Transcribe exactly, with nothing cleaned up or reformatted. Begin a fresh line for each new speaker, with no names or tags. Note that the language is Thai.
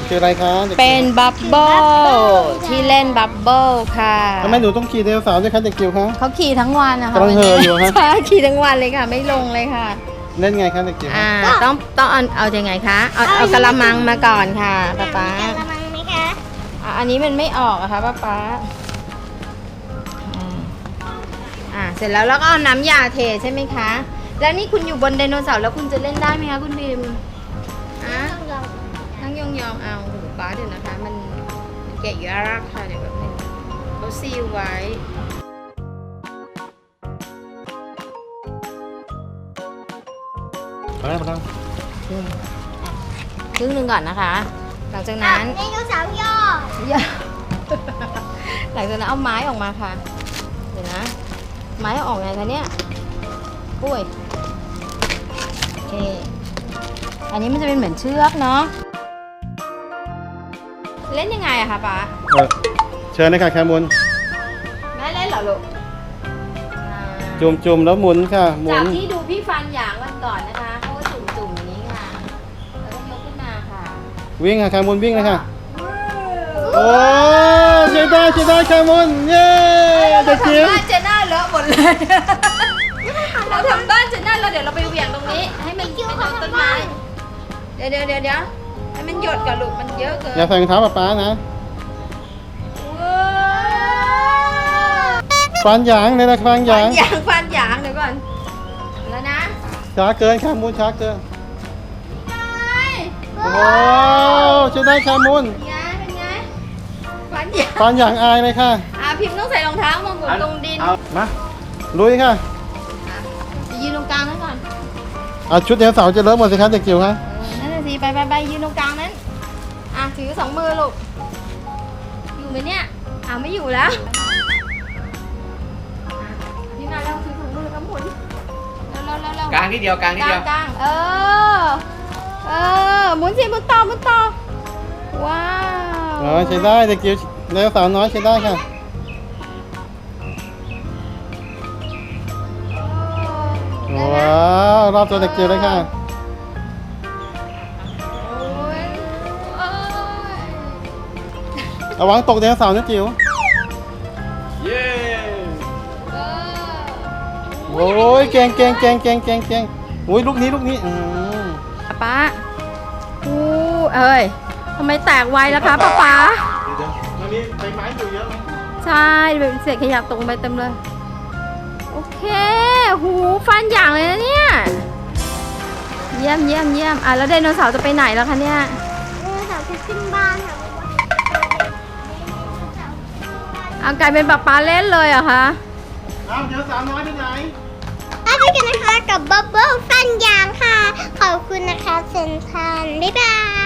คืออะไรคะ
เป็นบับเบิ้ลที่เล่นบับเบิ้ลค่ะ
ทำไมหนูต้องขี่ไดโนเสาร์ด้วยคะเด็กจิ๋วคะ
เขาขี่ทั้งวันนะคะ
กำลังเห่ออยู่ฮะ
ใช่ขี่ทั้งวันเลยค่ะ ไม่ลงเลยค่ะ
เล่นไงคะเด็กจิ๋ว
อ่าต้องต้องเอาเอายังไงคะเอาเอากระมังมาก่อนค่ะป๊าป๊า
กระมังไหมคะ
อ่ะอันนี้มันไม่ออกอะค่ะป๊าป๊าอืมอ่าเสร็จแล้วแล้วก็เอาน้ำยาเทใช่ไหมคะแล้วนี่คุณอยู่บนไดโนเสาร์แล้วคุณจะเล่นได้ไหมคะคุณพิมอ่ะ
ต้องลอง
นั่งยองๆเอาโอ้โหป๊าเดี๋ยวนะคะ มันมันแกะยากค่ะเดี๋ยวแบบนึงเขาซีลไว้
มาแล้วมาแล้ว
ครึ่งหนึ่งก่อนนะคะ หลังจาก
อ่ะ
นั้น
ไดโนเสาร์ย่อ
อย่า หลังจากนั้นเอาไม้ออกมาค่ะ เดี๋ยวนะ ไม้เอาออกไงคะเนี่ยปุ้ยโอเค อันนี้มันจะเป็นเหมือนเชือกเนาะ เล่นยังไงอะคะป๊า
เออเชิญเลยค่ะแคมุน
แม่เล่นเหรอลูกอ่า
จุ่มจุ่มๆแล้วหมุนค่ะหมุ
จาก
น
ที่ดูพี่ฟันหยางวันก่อนนะคะเขาก็จุ่มๆอย่างนี้ค่ะ แล้วก็ยกขึ้นมาค่ะ
วิ่งค่ะแคมุนวิ่งเลยค่ะโอ้ใช้ได้ใช้ได้แคมุนเย้เด็กจิ๋ว
บ้านเจน่าเลอะหมดเลยเราทำบ้านเจน่าแล้วเดี๋ยวเราไปเหวี่ยงตรงนี้ ให้มันไปโดนต้นไม้ เดี๋ยวเดี๋ยวเดี๋ยวเดี๋ยวให้มันหยดกับลูกมันเยอะเกิน
อย่าใส่รองเท้าป๊าป๊านะฟันหยางเลยนะฟันห
ฟั
ยาน ง
หยางฟันหยางเดี๋ยวก่อน แล้วนะ
ช้าเกินแคมุนช้าเกิน
ไง
โอ้ใช้ได้แคมุน
เป็นไงเป็นไงฟันหยาง
ฟันหยางอายเลยค่ะ
อ่ะพิมพ์ต้องใส่รองเท้ามองตรงดิน
เอามาลุยค่ะ
จะยืนตรงกลางนั้นก่อน
เอาชุดไดโนเสาร์จะเลอะหมดสิคะเด็กจิ๋วคะ
เออนั่นน่ะสิไปไปไปยืนตรงกลางนั้น อ่ะถือสองมือลูก อยู่ไหมเนี่ยอ่ะไม่อยู่แล้วอ่ะยืนมาแล้วถือสองมือแล้วก็หมุนเร็วเร็วเร็วเร็ว
กลางนิดเดียวกลางนิด
กลา
เดีย
ง
ว
กลางเออ เออ หมุนสิหมุนต่อหมุนต่อ ว้าว
อ๋อใช้ได้เด็กจิ๋วไดโนเสาร์น้อยใช้ได้ค่ะว้าวรอบตัวเด็กจิ๋วเลยค่ะ
โอ้ยโอ้ย
ระวังตกไดโนเสาร์นะจิ๋ว
เย้
เออ
โอ้ยเก่งเก่งเก่งเก่งเก่งเก่งโอ้ยลูกนี้ลูกนี้อืม
ป๊าอู้เอ้ยทำไมแตกไวล่ะคะป๊าป๊า
เดี๋ยวมันมีใบไม้อยู่เยอะไหม
ใช่เป็นเศษขยะตกไปเต็มเลย โอเค หูฟันอย่างเลยนะเนี่ย เยี่ยมเยี่ยมเยี่ยมอ่ะแล้วไดโนเสาร์จะไปไหนแล้วคะเนี่ย
ไดโนเสาร์จะขึ้นบ้านค่ะ
เอากลายเป็นป๊าป๊าเล่นเลยเหรอคะ
อ้าวไดโนเสาร์น้อยไปไหน
ถ้าไปกันนะคะกับบับเบิ้ลฟันยางค่ะ ขอบคุณนะคะเซนทรันบ๊ายบาย